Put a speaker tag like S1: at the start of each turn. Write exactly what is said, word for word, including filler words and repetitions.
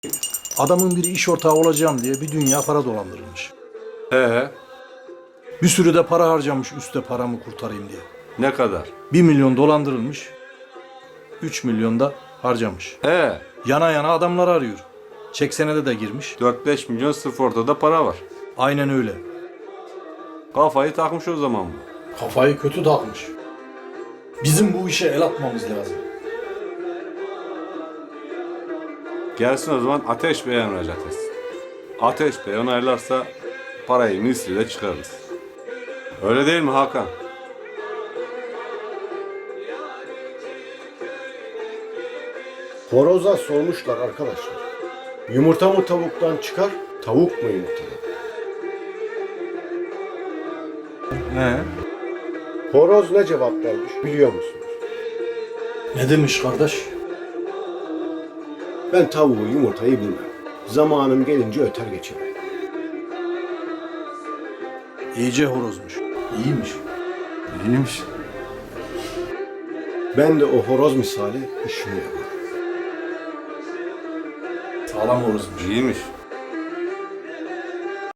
S1: Adamın biri iş ortağı olacağım diye bir dünya para dolandırılmış.
S2: He,
S1: Bir sürü de para harcamış üstte paramı kurtarayım diye.
S2: ne kadar?
S1: Bir milyon dolandırılmış. Üç milyon da harcamış.
S2: He,
S1: Yana yana adamlar arıyor. Çek senede de girmiş.
S2: dört beş milyon sırf ortada para var.
S1: Aynen öyle.
S2: Kafayı takmış o zaman bu.
S1: Kafayı kötü takmış. Bizim bu işe el atmamız lazım.
S2: Gelsin o zaman Ateş Bey'e müracaat etsin. Ateş Bey onaylarsa parayı misliyle çıkarırız. Öyle değil mi Hakan?
S3: Horoza sormuşlar arkadaşlar. Yumurta mı tavuktan çıkar, tavuk mu yumurtadan?
S1: He.
S3: Horoz ne cevap vermiş biliyor musunuz?
S1: Ne demiş kardeş?
S3: Ben tavuğu yumurtayı bilmem. Zamanım gelince öter geçerim.
S1: İyice horozmuş. İyiymiş.
S2: İyiymiş.
S3: Ben de o horoz misali işimi yaparım.
S1: Sağlam horozmuş.
S2: İyiymiş.